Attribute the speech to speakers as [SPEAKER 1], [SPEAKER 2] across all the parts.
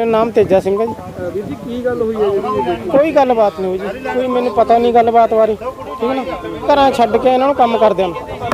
[SPEAKER 1] ਨਾਮ ਤੇਜਾ ਸਿੰਘ ਹੈ ਜੀ।
[SPEAKER 2] ਵੀਰ ਜੀ ਕੀ ਗੱਲ ਹੋਈ ਹੈ ਜਿਹੜੀ
[SPEAKER 1] ਕੋਈ ਗੱਲਬਾਤ ਨਹੀਂ ਹੋਈ ਜੀ, ਕੋਈ ਮੈਨੂੰ ਪਤਾ ਨਹੀਂ ਗੱਲਬਾਤ ਬਾਰੇ, ਠੀਕ ਹੈ ਨਾ। ਘਰਾਂ ਛੱਡ ਕੇ ਇਹਨਾਂ ਨੂੰ ਕੰਮ ਕਰਦਿਆਂ ਨੂੰ,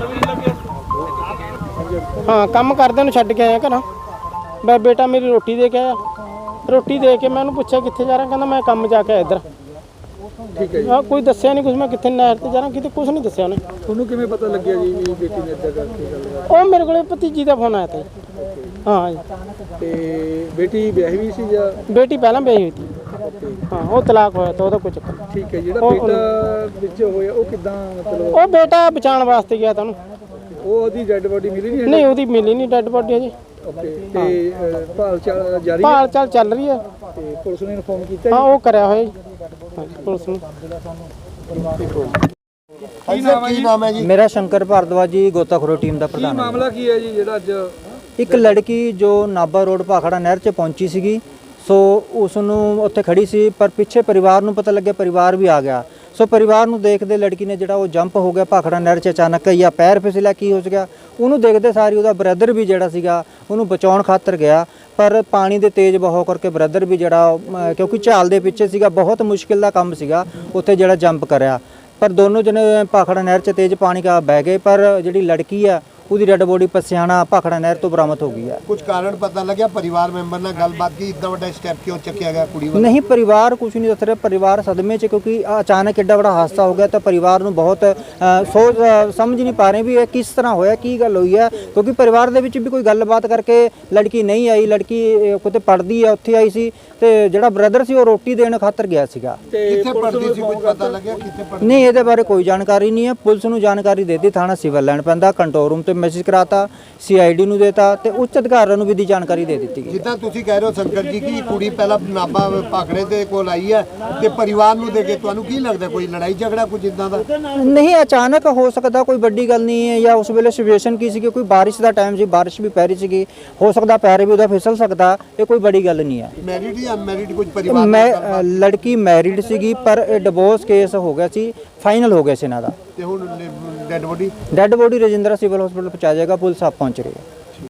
[SPEAKER 1] ਹਾਂ ਕੰਮ ਕਰਦਿਆਂ ਨੂੰ ਛੱਡ ਕੇ ਆਇਆ ਘਰਾਂ। ਮੈਂ ਬੇਟਾ ਮੇਰੀ ਰੋਟੀ ਦੇ ਕੇ ਆਇਆ, ਰੋਟੀ ਦੇ ਕੇ ਮੈਂ ਉਹਨੂੰ ਪੁੱਛਿਆ ਕਿੱਥੇ ਜਾ ਰਿਹਾ, ਕਹਿੰਦਾ ਮੈਂ ਕੰਮ ਜਾ ਕੇ ਆਇਆ ਇੱਧਰ।
[SPEAKER 2] ਠੀਕ ਹੈ ਜੀ।
[SPEAKER 1] ਹਾਂ ਕੋਈ ਦੱਸਿਆ ਨਹੀਂ ਕੁਝ, ਮੈਂ ਕਿੱਥੇ ਨਹਿਰ ਤੇ ਜਾ ਰਿਹਾ ਕਿਤੇ, ਕੁਝ ਨਹੀਂ ਦੱਸਿਆ ਉਹਨੇ।
[SPEAKER 2] ਤੁਹਾਨੂੰ ਕਿਵੇਂ ਪਤਾ ਲੱਗਿਆ ਜੀ ਵੀ ਬੇਟੀ ਨੇ ਇੱਦਾਂ ਕਰਕੇ ਗੱਲ?
[SPEAKER 1] ਉਹ ਮੇਰੇ ਕੋਲੇ ਭਤੀਜੀ ਦਾ ਫੋਨ ਆਇਆ ਤਾ ਜੀ। ਹਾਂ ਜੀ।
[SPEAKER 2] ਤੇ ਬੇਟੀ ਵਿਆਹੀ ਵੀ ਸੀ ਜਾਂ?
[SPEAKER 1] ਬੇਟੀ ਪਹਿਲਾਂ ਵਿਆਹੀ ਹੋਈ ਸੀ, ਹਾਂ ਉਹ ਤਲਾਕ ਹੋਇਆ ਤਾਂ ਉਹਦਾ ਕੋਈ ਚੱਕਰ ਨਹੀਂ।
[SPEAKER 2] ਠੀਕ ਹੈ। ਜਿਹੜਾ ਬੇਟਾ ਵਿੱਚ ਹੋਇਆ ਉਹ ਕਿੱਦਾਂ ਮਤਲਬ?
[SPEAKER 1] ਉਹ ਬੇਟਾ ਬਚਾਉਣ ਵਾਸਤੇ ਗਿਆ ਤਾਂ ਉਹਨੂੰ।
[SPEAKER 2] ਉਹ ਉਹਦੀ ਡੈੱਡ ਬੋਡੀ ਮਿਲੀ ਨਹੀਂ?
[SPEAKER 1] ਨਹੀਂ ਉਹਦੀ ਮਿਲੀ ਨਹੀਂ ਡੈੱਡ ਬੋਡੀ ਅਜੇ।
[SPEAKER 2] ਓਕੇ। ਤੇ ਭਾਲ ਜਾਰੀ ਹੈ?
[SPEAKER 1] ਭਾਲ ਚਾਲ ਚੱਲ ਰਹੀ ਹੈ।
[SPEAKER 2] ਤੇ ਪੁਲਿਸ ਨੇ ਇਨਫੋਰਮ ਕੀਤਾ?
[SPEAKER 1] ਹਾਂ ਉਹ ਕਰਿਆ ਹੋਇਆ ਜੀ, ਪੁਲਿਸ ਨੂੰ।
[SPEAKER 2] ਕੀ ਨਾਮ ਹੈ ਜੀ?
[SPEAKER 3] मेरा शंकर भारद्वाज जी गोताखोरी टीम ਦਾ
[SPEAKER 2] ਕੀ
[SPEAKER 3] ਪ੍ਰਧਾਨ।
[SPEAKER 2] ਮਾਮਲਾ ਕੀ ਹੈ ਜੀ ਜਿਹੜਾ ਅੱਜ?
[SPEAKER 3] ਇੱਕ ਲੜਕੀ ਜੋ ਨਾਭਾ ਰੋਡ ਭਾਖੜਾ ਨਹਿਰ 'ਚ ਪਹੁੰਚੀ ਸੀਗੀ, ਸੋ ਉਸ ਨੂੰ ਉੱਥੇ ਖੜੀ ਸੀ, ਪਰ ਪਿੱਛੇ ਪਰਿਵਾਰ ਨੂੰ ਪਤਾ ਲੱਗਿਆ, ਪਰਿਵਾਰ ਵੀ ਆ ਗਿਆ। ਸੋ ਪਰਿਵਾਰ ਨੂੰ ਦੇਖਦੇ ਲੜਕੀ ਨੇ ਜਿਹੜਾ ਉਹ ਜੰਪ ਹੋ ਗਿਆ ਭਾਖੜਾ ਨਹਿਰ 'ਚ ਅਚਾਨਕ, ਜਾਂ ਪੈਰ ਫਿਸਲਿਆ ਕੀ ਹੋ ਗਿਆ ਉਹਨੂੰ ਦੇਖਦੇ ਸਾਰੀ ਉਹਦਾ ਬ੍ਰਦਰ ਵੀ ਜਿਹੜਾ ਸੀਗਾ ਉਹਨੂੰ ਬਚਾਉਣ ਖਾਤਰ ਗਿਆ, ਪਰ ਪਾਣੀ ਦੇ ਤੇਜ਼ ਬਹਾਅ ਕਰਕੇ ਬ੍ਰਦਰ ਵੀ ਜਿਹੜਾ ਕਿਉਂਕਿ ਝਾਲ ਦੇ ਪਿੱਛੇ ਸੀਗਾ, ਬਹੁਤ ਮੁਸ਼ਕਿਲ ਦਾ ਕੰਮ ਸੀਗਾ ਉੱਥੇ ਜਿਹੜਾ ਜੰਪ ਕਰਿਆ। ਪਰ ਦੋਨੋਂ ਜਣੇ ਭਾਖੜਾ ਨਹਿਰ 'ਚ ਤੇਜ਼ ਪਾਣੀ ਕਾ ਬਹਿ ਗਏ, ਪਰ ਜਿਹੜੀ ਲੜਕੀ ਆ ਉਹਦੀ ਡੈਡ ਬੋਡੀ ਪਸਿਆਣਾ ਭਾਖੜਾ ਨਹਿਰ ਤੋਂ ਬਰਾਮਦ ਹੋ ਗਈ ਹੈ।
[SPEAKER 4] ਕੁਝ ਕਾਰਨ ਪਤਾ ਲੱਗਿਆ? ਪਰਿਵਾਰ ਮੈਂਬਰ ਨਾਲ ਗੱਲਬਾਤ ਕੀ, ਇतना ਵੱਡਾ ਸਟੈਪ ਕਿਉਂ ਚੱਕਿਆ ਗਿਆ ਕੁੜੀ ਵੱਲ?
[SPEAKER 3] ਨਹੀਂ ਪਰਿਵਾਰ ਕੁਝ ਨਹੀਂ ਦੱਸ ਰਿਹਾ, ਪਰਿਵਾਰ ਸਦਮੇ 'ਚ, ਕਿਉਂਕਿ ਅਚਾਨਕ ਐਡਾ ਬੜਾ ਹਾਦਸਾ ਹੋ ਗਿਆ ਤਾਂ ਪਰਿਵਾਰ ਨੂੰ ਬਹੁਤ ਸੋਚ ਸਮਝ ਨਹੀਂ ਪਾ ਰਹੇ ਵੀ ਇਹ ਕਿਸ ਤਰ੍ਹਾਂ ਹੋਇਆ, ਕੀ ਗੱਲ ਹੋਈ ਹੈ, ਕਿਉਂਕਿ ਪਰਿਵਾਰ ਦੇ ਵਿੱਚ ਵੀ ਕੋਈ ਗੱਲਬਾਤ ਕਰਕੇ ਲੜਕੀ ਨਹੀਂ ਆਈ। ਲੜਕੀ ਕਿਤੇ ਪੜ੍ਹਦੀ ਆ, ਉੱਥੇ ਆਈ ਸੀ, ਤੇ ਜਿਹੜਾ ਬ੍ਰਦਰ ਸੀ ਉਹ ਰੋਟੀ ਦੇਣ ਖਾਤਰ ਗਿਆ ਸੀਗਾ।
[SPEAKER 4] ਕਿੱਥੇ ਪੜਦੀ ਸੀ, ਕੁਝ ਪਤਾ ਲੱਗਿਆ ਕਿੱਥੇ ਪੜਦੀ?
[SPEAKER 3] ਨਹੀਂ ਇਹਦੇ ਬਾਰੇ ਕੋਈ ਜਾਣਕਾਰੀ ਨਹੀਂ ਹੈ। ਪੁਲਿਸ ਨੂੰ ਜਾਣਕਾਰੀ ਦੇ ਦਿੱਤੀ, ਥਾਣਾ ਸਿਵਲ ਲੈਣ ਪੈਂਦਾ, ਕੰਟਰੋਲ ਰੂਮ ਤੇ ਮੈਸੇਜ ਕਰਾਤਾ, ਸੀਆਈਡੀ ਨੂੰ ਦੇਤਾ ਤੇ ਉੱਚ ਅਧਿਕਾਰੀਆਂ ਨੂੰ ਵੀ ਦੀ ਜਾਣਕਾਰੀ ਦੇ ਦਿੱਤੀ ਗਈ।
[SPEAKER 4] ਜਿੱਦਾਂ ਤੁਸੀਂ ਕਹਿ ਰਹੇ ਹੋ ਸ਼ੰਕਰ ਜੀ ਕਿ ਕੁੜੀ ਪਹਿਲਾਂ ਨਾਭਾ ਭਾਖੜੇ ਦੇ ਕੋਲ ਆਈ ਹੈ ਤੇ ਪਰਿਵਾਰ ਨੂੰ ਦੇ ਕੇ, ਤੁਹਾਨੂੰ ਕੀ ਲੱਗਦਾ ਕੋਈ ਲੜਾਈ ਝਗੜਾ ਕੁਝ ਇਦਾਂ ਦਾ?
[SPEAKER 3] ਨਹੀਂ ਅਚਾਨਕ ਹੋ ਸਕਦਾ, ਕੋਈ ਵੱਡੀ ਗੱਲ ਨਹੀਂ ਹੈ, ਜਾਂ ਉਸ ਵੇਲੇ ਸਿਚੁਏਸ਼ਨ ਕੀ ਸੀ, ਕੋਈ ਬਾਰਿਸ਼ ਦਾ ਟਾਈਮ ਸੀ, ਬਾਰਿਸ਼ ਵੀ ਪੈ ਰਹੀ ਸੀਗੀ, ਹੋ ਸਕਦਾ ਪੈਰ ਵੀ ਉਹਦਾ ਫਿਸਲ ਸਕਦਾ, ਇਹ ਕੋਈ ਵੱਡੀ ਗੱਲ ਨਹੀਂ ਹੈ।
[SPEAKER 4] ਮੈਰਿਡ ਜਾਂ ਅਨਮੈਰਿਡ ਕੁਝ ਪਰਿਵਾਰ?
[SPEAKER 3] ਮੈਂ ਲੜਕੀ ਮੈਰਿਡ ਸੀਗੀ, ਪਰ ਇਹ ਡਿਵੋਰਸ ਕੇਸ ਹੋ ਗਿਆ ਸੀ, ਫਾਈਨਲ ਹੋ ਗਿਆ ਸੀ ਇਹਨਾਂ ਦਾ।
[SPEAKER 4] ਤੇ ਹੁਣ dead body?
[SPEAKER 3] Dead body Rajindra civil hospital ਪਹੁੰਚਾ ਜਾਏਗਾ, ਪੁਲਿਸ ਆਪ ਪਹੁੰਚ ਰਹੀ ਹੈ।